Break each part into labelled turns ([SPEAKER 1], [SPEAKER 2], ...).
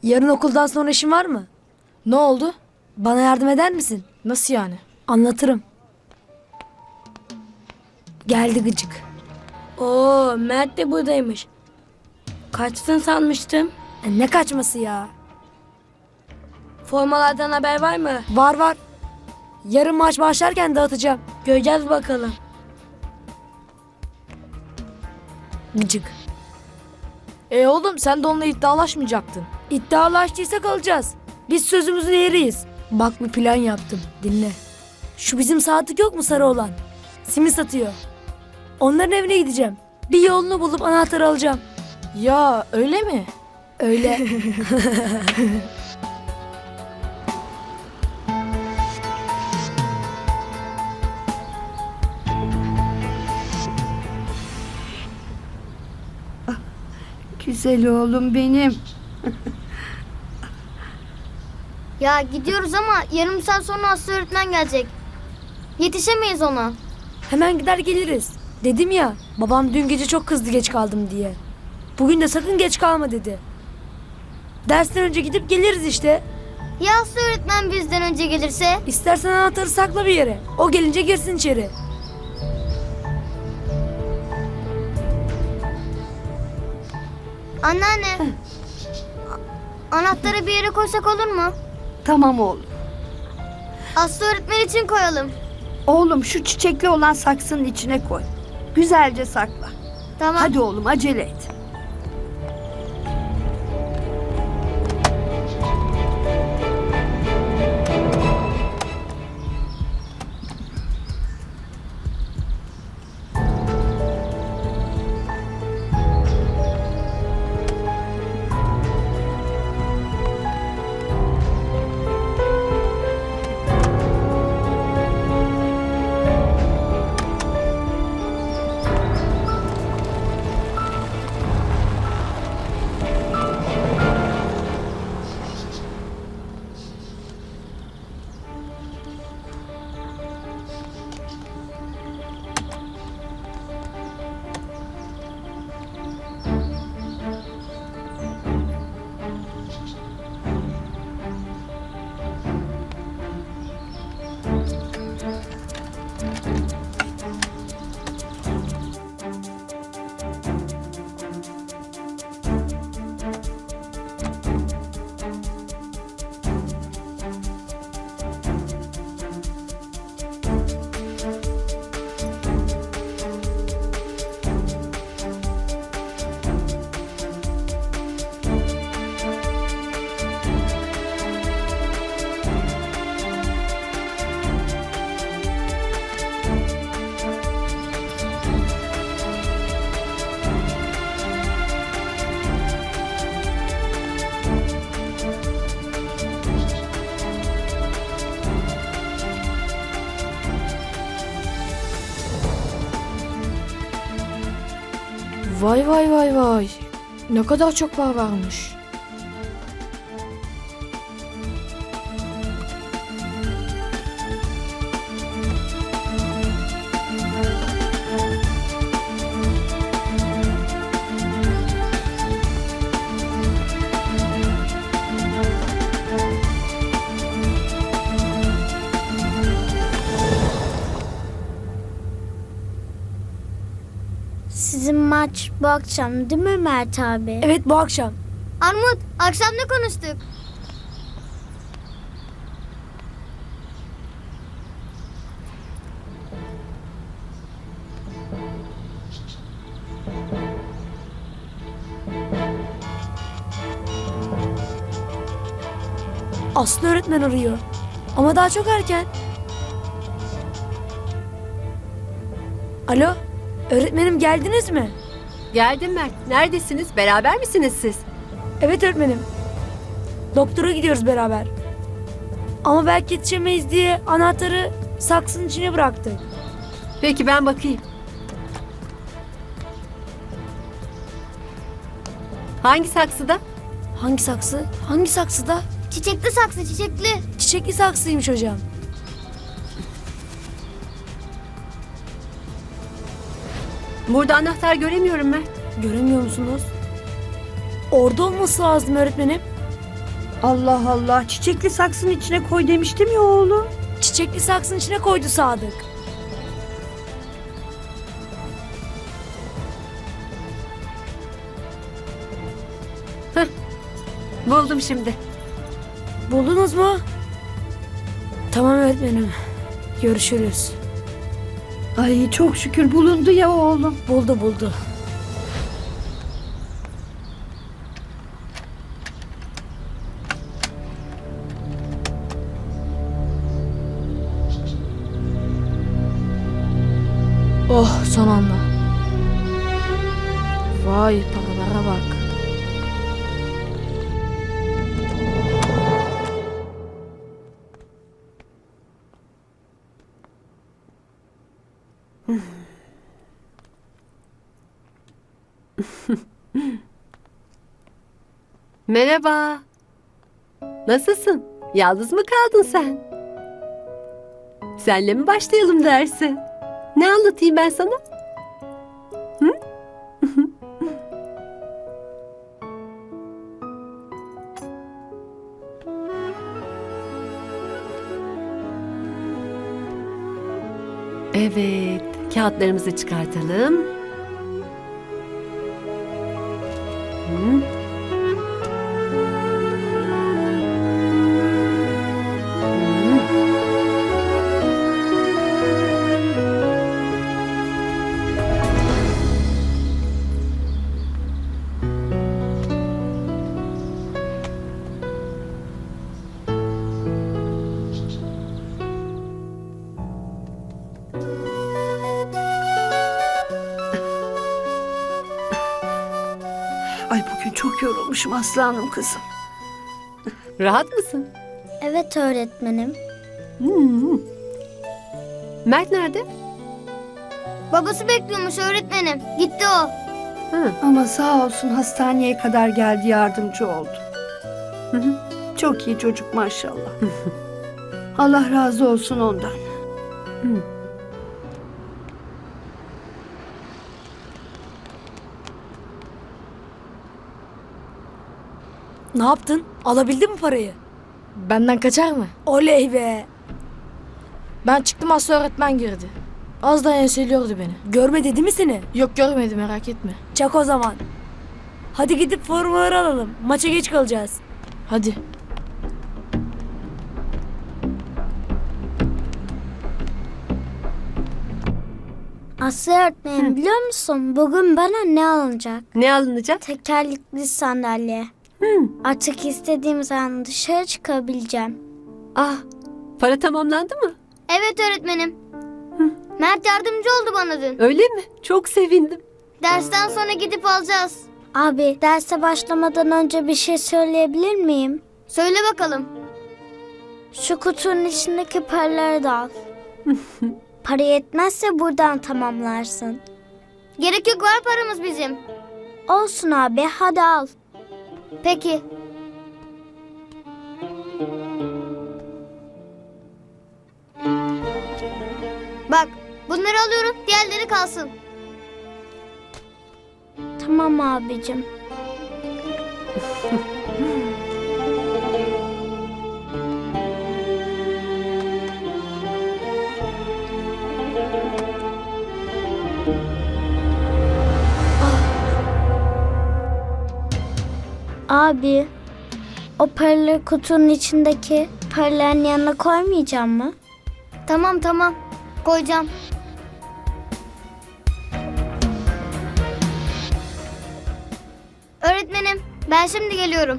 [SPEAKER 1] Yarın okuldan sonra işin var mı?
[SPEAKER 2] Ne oldu?
[SPEAKER 1] Bana yardım eder misin?
[SPEAKER 2] Nasıl yani?
[SPEAKER 1] Anlatırım. Geldi gıcık.
[SPEAKER 3] Oo, Mert de buradaymış. Kaçtın sanmıştım.
[SPEAKER 1] Ne kaçması ya?
[SPEAKER 3] Formalardan haber var mı?
[SPEAKER 1] Var var. Yarın maç başlarken dağıtacağım.
[SPEAKER 3] Göreceğiz bakalım.
[SPEAKER 1] Gıcık.
[SPEAKER 2] Oğlum sen de onunla iddialaşmayacaktın.
[SPEAKER 1] İddialaştıysak alacağız. Biz sözümüzün eriyiz. Bak bir plan yaptım. Dinle. Şu bizim Sadık yok mu sarı olan? Simit satıyor. Onların evine gideceğim. Bir yolunu bulup anahtarı alacağım.
[SPEAKER 2] Ya öyle mi?
[SPEAKER 1] Öyle.
[SPEAKER 4] Güzel oğlum benim.
[SPEAKER 5] Ya gidiyoruz ama yarım saat sonra Aslı öğretmen gelecek. Yetişemeyiz ona.
[SPEAKER 1] Hemen gider geliriz. Dedim ya, babam dün gece çok kızdı geç kaldım diye. Bugün de sakın geç kalma dedi. Dersten önce gidip geliriz işte.
[SPEAKER 5] Ya Aslı öğretmen bizden önce gelirse?
[SPEAKER 1] İstersen anahtarı sakla bir yere. O gelince girsin içeri.
[SPEAKER 5] Anneanne. Anahtarı bir yere koysak olur mu?
[SPEAKER 4] Tamam oğlum.
[SPEAKER 5] Aslı öğretmen için koyalım.
[SPEAKER 4] Oğlum şu çiçekli olan saksının içine koy. Güzelce sakla.
[SPEAKER 5] Tamam.
[SPEAKER 4] Hadi oğlum acele et.
[SPEAKER 2] Vay vay vay vay. Ne kadar çok para varmış.
[SPEAKER 5] Sizin maç bu akşam değil mi Mert abi?
[SPEAKER 1] Evet, bu akşam.
[SPEAKER 5] Armut, akşam ne konuştuk?
[SPEAKER 1] Aslı öğretmen arıyor. Ama daha çok erken. Alo, öğretmenim geldiniz mi?
[SPEAKER 6] Geldim Mert. Neredesiniz? Beraber misiniz siz?
[SPEAKER 1] Evet öğretmenim. Doktora gidiyoruz beraber. Ama belki yetişemeyiz diye anahtarı saksının içine bıraktık.
[SPEAKER 6] Peki ben bakayım. Hangi saksıda?
[SPEAKER 1] Hangi saksı? Hangi saksıda?
[SPEAKER 5] Çiçekli saksı, çiçekli.
[SPEAKER 1] Çiçekli saksıymış hocam.
[SPEAKER 6] Burada anahtar göremiyorum Mert.
[SPEAKER 1] Göremiyor musunuz? Orada olması lazım öğretmenim.
[SPEAKER 4] Allah Allah, çiçekli saksının içine koy demiştim ya oğlum.
[SPEAKER 1] Çiçekli saksının içine koydu Sadık.
[SPEAKER 6] Buldum şimdi.
[SPEAKER 1] Buldunuz mu? Tamam öğretmenim. Görüşürüz.
[SPEAKER 4] Ay çok şükür bulundu ya oğlum.
[SPEAKER 1] Buldu.
[SPEAKER 2] Oh, son anda. Vay, paralara bak.
[SPEAKER 6] Merhaba. Nasılsın? Yalnız mı kaldın sen? Senle mi başlayalım derse? Ne anlatayım ben sana? Hı? Evet, kağıtlarımızı çıkartalım. Hı.
[SPEAKER 4] Ay bugün çok yorulmuşum aslanım kızım.
[SPEAKER 6] Rahat mısın?
[SPEAKER 5] Evet öğretmenim.
[SPEAKER 6] Hmm. Mert nerede?
[SPEAKER 5] Babası bekliyormuş öğretmenim. Gitti o.
[SPEAKER 6] Hı.
[SPEAKER 4] Ama sağ olsun hastaneye kadar geldi, yardımcı oldu.
[SPEAKER 6] Hı hı.
[SPEAKER 4] Çok iyi çocuk maşallah. Allah razı olsun ondan.
[SPEAKER 1] Ne yaptın? Alabildin mi parayı?
[SPEAKER 2] Benden kaçar mı?
[SPEAKER 1] Oley be.
[SPEAKER 2] Ben çıktım, Aslı öğretmen girdi. Az daha enseliyordu beni.
[SPEAKER 1] Görmedi değil mi seni?
[SPEAKER 2] Yok, görmedi, merak etme.
[SPEAKER 1] Çak o zaman. Hadi gidip formaları alalım. Maça geç kalacağız.
[SPEAKER 2] Hadi.
[SPEAKER 5] Aslı öğretmenim biliyor musun? Bugün bana ne alınacak?
[SPEAKER 6] Ne alınacak?
[SPEAKER 5] Tekerlekli sandalye. Artık istediğim zaman dışarı çıkabileceğim.
[SPEAKER 6] Ah, para tamamlandı mı?
[SPEAKER 5] Evet öğretmenim. Mert yardımcı oldu bana dün.
[SPEAKER 6] Öyle mi? Çok sevindim.
[SPEAKER 5] Dersten sonra gidip alacağız. Abi derse başlamadan önce bir şey söyleyebilir miyim? Söyle bakalım. Şu kutunun içindeki paraları da al. Para yetmezse buradan tamamlarsın. Gerek yok, var paramız bizim. Olsun abi, hadi al. Peki. Bak, bunları alıyorum, diğerleri kalsın. Tamam abicim. Abi, o paraları kutunun içindeki paraların yanına koymayacağım mı? Tamam, koyacağım. Öğretmenim, ben şimdi geliyorum.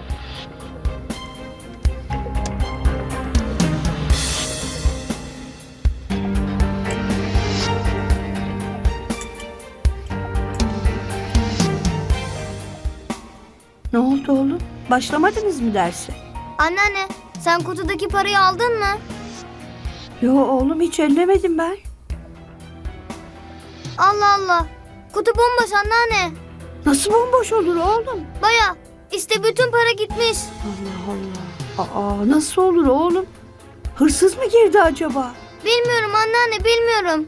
[SPEAKER 4] Ne oldu oğlum? Başlamadınız mı derse?
[SPEAKER 5] Anneanne, sen kutudaki parayı aldın mı?
[SPEAKER 4] Yo oğlum, hiç ellemedim ben.
[SPEAKER 5] Allah Allah, kutu bomboş anneanne.
[SPEAKER 4] Nasıl bomboş olur oğlum?
[SPEAKER 5] Baya, işte bütün para gitmiş.
[SPEAKER 4] Allah Allah. Aa, nasıl olur oğlum? Hırsız mı girdi acaba?
[SPEAKER 5] Bilmiyorum anneanne, bilmiyorum.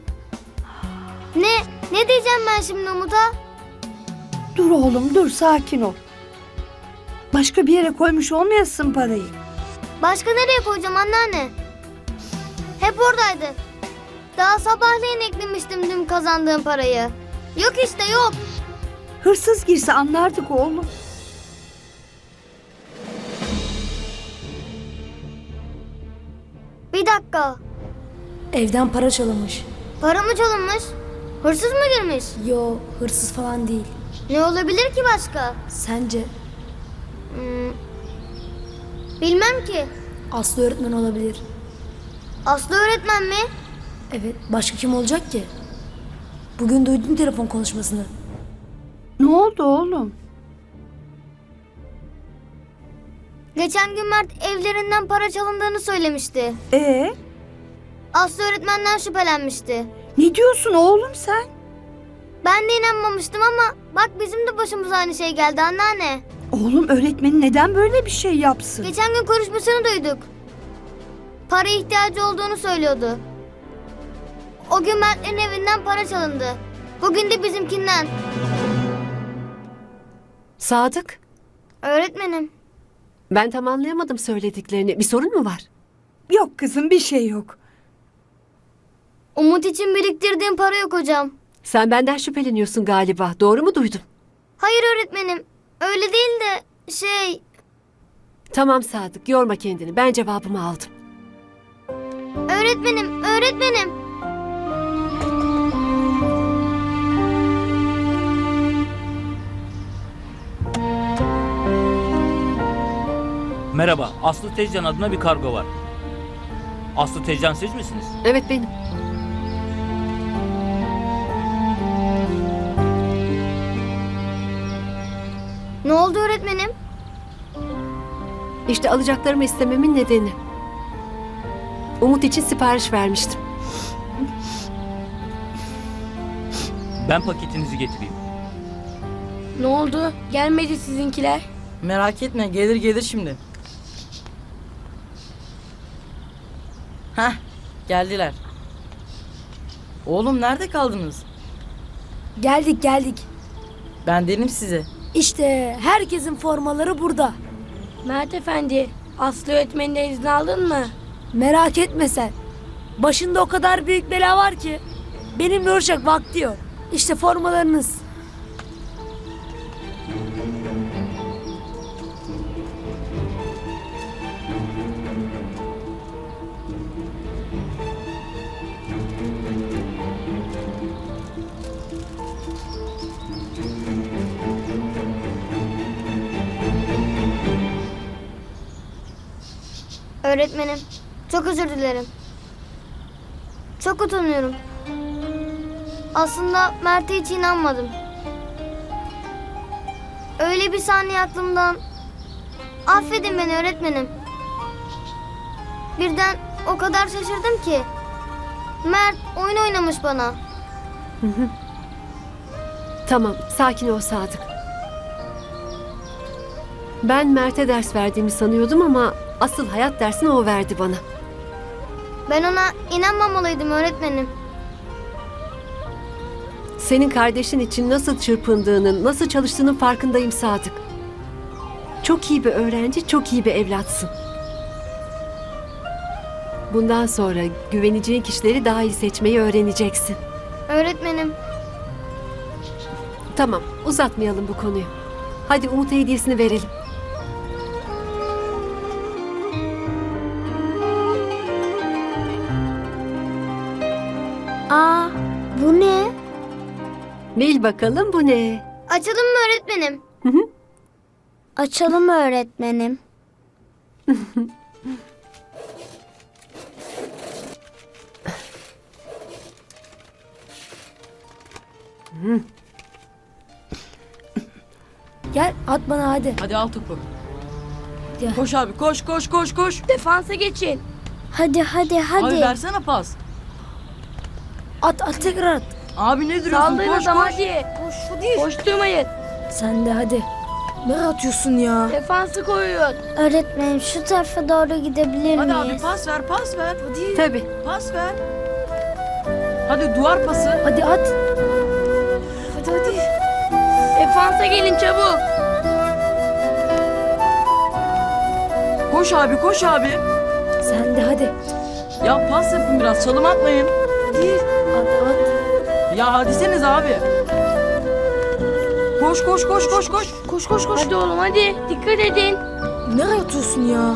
[SPEAKER 5] Ne diyeceğim ben şimdi Umut'a?
[SPEAKER 4] Dur oğlum dur, sakin ol. Başka bir yere koymuş olmayasın parayı.
[SPEAKER 5] Başka nereye koyacağım anneanne? Hep oradaydı. Daha sabahleyin eklemiştim dün kazandığım parayı. Yok işte yok.
[SPEAKER 4] Hırsız girse anlardık oğlum.
[SPEAKER 5] Bir dakika.
[SPEAKER 1] Evden para çalınmış.
[SPEAKER 5] Para mı çalınmış? Hırsız mı girmiş?
[SPEAKER 1] Yo, hırsız falan değil.
[SPEAKER 5] Ne olabilir ki başka?
[SPEAKER 1] Sence
[SPEAKER 5] Bilmem ki.
[SPEAKER 1] Aslı öğretmen olabilir.
[SPEAKER 5] Aslı öğretmen mi?
[SPEAKER 1] Evet, başka kim olacak ki? Bugün duydum telefon konuşmasını.
[SPEAKER 4] Ne oldu oğlum?
[SPEAKER 5] Geçen gün Mert evlerinden para çalındığını söylemişti.
[SPEAKER 4] Aslı
[SPEAKER 5] Öğretmenden şüphelenmişti.
[SPEAKER 4] Ne diyorsun oğlum sen?
[SPEAKER 5] Ben de inanmamıştım ama bak bizim de başımıza aynı şey geldi anneanne.
[SPEAKER 4] Oğlum öğretmenin neden böyle bir şey yapsın?
[SPEAKER 5] Geçen gün konuşmasını duyduk. Para ihtiyacı olduğunu söylüyordu. O gün Mert'lerin evinden para çalındı. Bugün de bizimkinden.
[SPEAKER 6] Sadık,
[SPEAKER 5] Öğretmenim.
[SPEAKER 6] ben tam anlayamadım söylediklerini. Bir sorun mu var?
[SPEAKER 4] Yok kızım bir şey yok.
[SPEAKER 5] Umut için biriktirdiğim para yok hocam.
[SPEAKER 6] Sen benden şüpheleniyorsun galiba. Doğru mu duydum?
[SPEAKER 5] Hayır öğretmenim. Öyle değil de şey...
[SPEAKER 6] Tamam Sadık, yorma kendini. Ben cevabımı aldım.
[SPEAKER 5] Öğretmenim.
[SPEAKER 7] Merhaba, Aslı Tezcan adına bir kargo var. Aslı Tezcan siz misiniz?
[SPEAKER 6] Evet benim.
[SPEAKER 5] Ne oldu öğretmenim?
[SPEAKER 6] İşte alacaklarımı istememin nedeni. Umut için sipariş vermiştim.
[SPEAKER 7] Ben paketinizi getireyim.
[SPEAKER 3] Ne oldu? Gelmedi sizinkiler.
[SPEAKER 8] Merak etme gelir şimdi. Heh geldiler. Oğlum nerede kaldınız?
[SPEAKER 1] Geldik.
[SPEAKER 8] Ben dedim size.
[SPEAKER 1] İşte herkesin formaları burada.
[SPEAKER 3] Mert Efendi, Aslı öğretmeninden izin aldın mı?
[SPEAKER 1] Merak etme sen. Başında o kadar büyük bela var ki benimle uğraşacak vakti yok. İşte formalarınız.
[SPEAKER 5] Öğretmenim, çok özür dilerim. Çok utanıyorum. Aslında Mert'e hiç inanmadım. Öyle bir saniye aklımdan... Affedin beni öğretmenim. Birden o kadar şaşırdım ki. Mert oyun oynamış bana.
[SPEAKER 6] Tamam, sakin ol Sadık. Ben Mert'e ders verdiğimi sanıyordum ama asıl hayat dersini o verdi bana.
[SPEAKER 5] Ben ona inanmamalıydım öğretmenim.
[SPEAKER 6] Senin kardeşin için nasıl çırpındığının, nasıl çalıştığının farkındayım Sadık. Çok iyi bir öğrenci, çok iyi bir evlatsın. Bundan sonra güveneceğin kişileri daha iyi seçmeyi öğreneceksin.
[SPEAKER 5] Öğretmenim,
[SPEAKER 6] Tamam, uzatmayalım bu konuyu. Hadi Umut'a hediyesini verelim.
[SPEAKER 5] aa bu ne?
[SPEAKER 6] Bil bakalım bu ne?
[SPEAKER 5] Açalım mı öğretmenim? Açalım öğretmenim.
[SPEAKER 1] Gel at bana hadi.
[SPEAKER 8] Hadi al topu.
[SPEAKER 1] Ya.
[SPEAKER 8] Koş abi koş.
[SPEAKER 3] Defansa geçin.
[SPEAKER 5] Hadi.
[SPEAKER 8] Abi versene pas.
[SPEAKER 1] At tekrar at.
[SPEAKER 8] Abi ne duruyorsun
[SPEAKER 3] Saldırın
[SPEAKER 8] koş
[SPEAKER 3] adam
[SPEAKER 8] koş.
[SPEAKER 3] hadi. Koşturmayın.
[SPEAKER 1] Sen de hadi. Ne atıyorsun ya?
[SPEAKER 3] Defansı koyun.
[SPEAKER 5] Öğretmenim şu tarafa doğru gidebilir
[SPEAKER 8] Hadi
[SPEAKER 5] miyiz?
[SPEAKER 8] abi pas ver.
[SPEAKER 6] Tabii.
[SPEAKER 8] Pas ver. Hadi duvar pası.
[SPEAKER 1] Hadi at.
[SPEAKER 3] Defansa gelin çabuk.
[SPEAKER 8] Koş abi koş abi.
[SPEAKER 1] Sen de hadi.
[SPEAKER 8] Ya pas yapın biraz çalım atmayın.
[SPEAKER 1] Hadi at at.
[SPEAKER 8] Ya hadiseniz abi. Koş koş koş koş koş.
[SPEAKER 2] Koş koş koş.
[SPEAKER 3] Hadi oğlum hadi. Dikkat edin.
[SPEAKER 2] Nereye atıyorsun ya?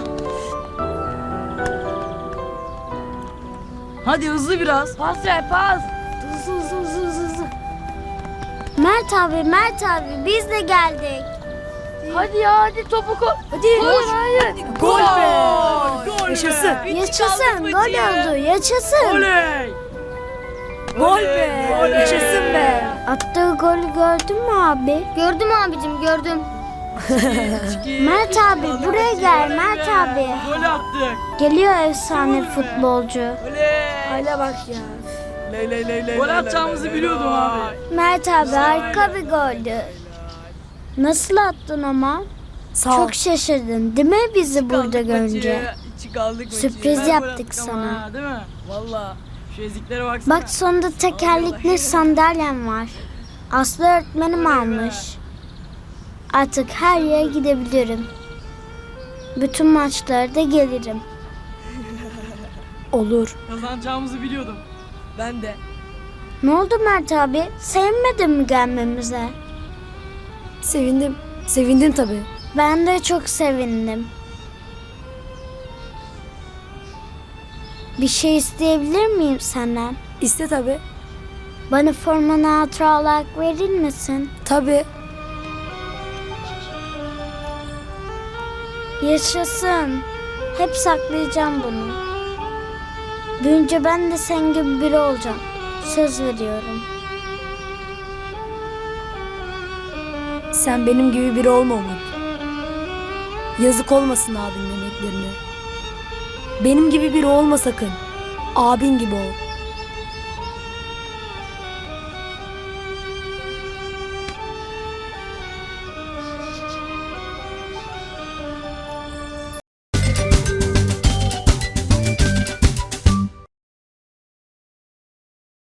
[SPEAKER 8] Hadi hızlı biraz.
[SPEAKER 3] Pas ver pas.
[SPEAKER 2] Hızlı.
[SPEAKER 5] Mert abi biz de geldik.
[SPEAKER 3] Hadi ya hadi topu koy.
[SPEAKER 1] Hadi.
[SPEAKER 3] Hayır.
[SPEAKER 1] Gol be. Yaşasın.
[SPEAKER 5] Yaşasın gol oldu yaşasın.
[SPEAKER 8] Oley.
[SPEAKER 1] Gol be. Yaşasın be.
[SPEAKER 5] Attığı golü gördün mü abi? Gördüm abicim gördüm. Mert abi buraya gel Mert abi.
[SPEAKER 8] Gol attık.
[SPEAKER 5] Geliyor efsane futbolcu.
[SPEAKER 8] Oley.
[SPEAKER 1] Hala bak ya.
[SPEAKER 8] Gol atacağımızı biliyordum abi.
[SPEAKER 5] Mert abi harika bir goldü. Nasıl attın ama?
[SPEAKER 1] Sağ ol.
[SPEAKER 5] Çok şaşırdın değil mi bizi burada görünce?
[SPEAKER 8] Çıkaldık
[SPEAKER 5] Sürpriz yaptık sana.
[SPEAKER 8] Değil mi? Valla. Şu eziklere baksana.
[SPEAKER 5] Bak sonunda tekerlekli sandalyem var. Aslı öğretmenim almış. Artık her yere gidebilirim. Bütün maçlara da gelirim.
[SPEAKER 1] Olur.
[SPEAKER 8] Kazanacağımızı biliyordum. Ben de.
[SPEAKER 5] Ne oldu Mert abi? Sevinmedin mi gelmemize?
[SPEAKER 1] Sevindim. Sevindim tabii.
[SPEAKER 5] Ben de çok sevindim. Bir şey isteyebilir miyim senden?
[SPEAKER 1] İste tabii.
[SPEAKER 5] Bana formanı hatıra olarak verir misin?
[SPEAKER 1] Tabii.
[SPEAKER 5] Yaşasın. Hep saklayacağım bunu. Büyünce ben de sen gibi biri olacağım. Söz veriyorum.
[SPEAKER 1] Sen benim gibi biri olma Umut. Yazık olmasın abinin emeklerine. Benim gibi biri olma sakın. Abin gibi ol.